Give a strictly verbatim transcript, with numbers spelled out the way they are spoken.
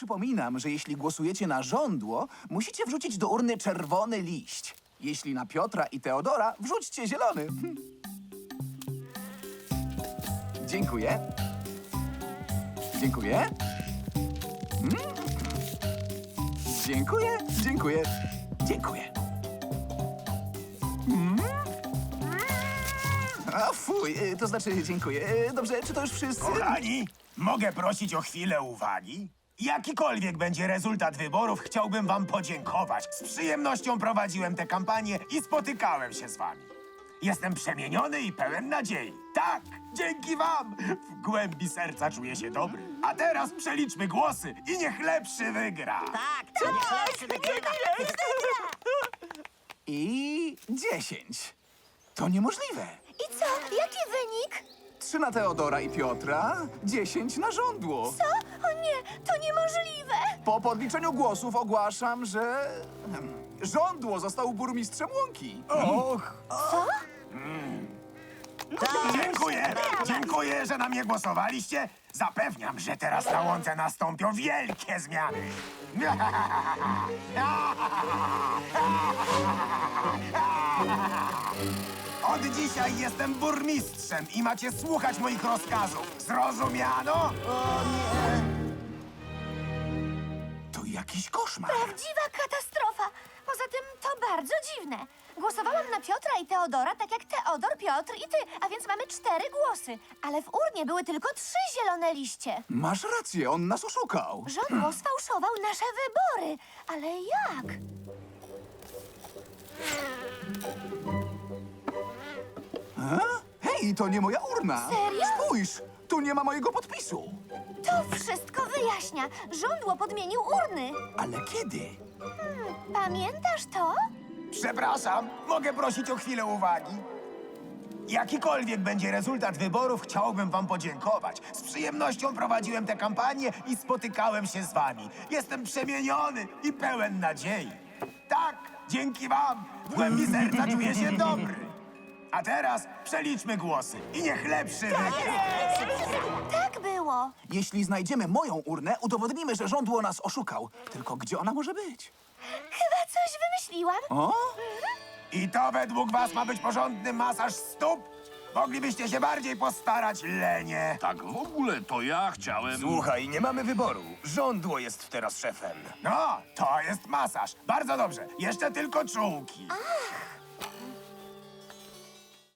przypominam, że jeśli głosujecie na żądło, musicie wrzucić do urny czerwony liść. Jeśli na Piotra i Teodora, wrzućcie zielony. Hm. Dziękuję. Dziękuję. Mm. Dziękuję, dziękuję, dziękuję. Mm. A fuj, y, to znaczy dziękuję. Y, Dobrze, czy to już wszyscy? Kochani, mogę prosić o chwilę uwagi? Jakikolwiek będzie rezultat wyborów, chciałbym wam podziękować. Z przyjemnością prowadziłem tę kampanię i spotykałem się z wami. Jestem przemieniony i pełen nadziei. Tak, dzięki wam! W głębi serca czuję się dobry. A teraz przeliczmy głosy i niech lepszy wygra. Tak, to niech lepszy wygrywa. I dziesięć. To niemożliwe. I co? Jaki wynik? Trzy na Teodora i Piotra, dziesięć na żądło. Co? O nie, to niemożliwe! Po podliczeniu głosów ogłaszam, że... hmm, żądło został burmistrzem Łąki. Och, Co? dziękuję, dziękuję, że na mnie głosowaliście. Zapewniam, że teraz na Łące nastąpią wielkie zmiany. Od dzisiaj jestem burmistrzem i macie słuchać moich rozkazów. Zrozumiano? To jakiś koszmar. Prawdziwa katastrofa! Poza tym to bardzo dziwne. Głosowałam na Piotra i Teodora, tak jak Teodor, Piotr i ty, a więc mamy cztery głosy. Ale w urnie były tylko trzy zielone liście. Masz rację, on nas oszukał. Żądło sfałszował nasze wybory. Ale jak? A? Hej, to nie moja urna. Serio? Spójrz, tu nie ma mojego podpisu. To wszystko wyjaśnia. Żądło podmienił urny. Ale kiedy? Pamiętasz to? Przepraszam, mogę prosić o chwilę uwagi? Jakikolwiek będzie rezultat wyborów, chciałbym wam podziękować. Z przyjemnością prowadziłem tę kampanię i spotykałem się z wami. Jestem przemieniony i pełen nadziei. Tak, dzięki wam w głębi serca czuję się dobry. A teraz przeliczmy głosy i niech lepszy wygra. Tak było. Jeśli znajdziemy moją urnę, udowodnimy, że żądło nas oszukał. Tylko gdzie ona może być? Chyba coś wymyśliłam. O? I to według was ma być porządny masaż stóp? Moglibyście się bardziej postarać, lenie. Tak w ogóle to ja chciałem... Słuchaj, nie mamy wyboru. Żądło jest teraz szefem. No, to jest masaż. Bardzo dobrze. Jeszcze tylko czułki.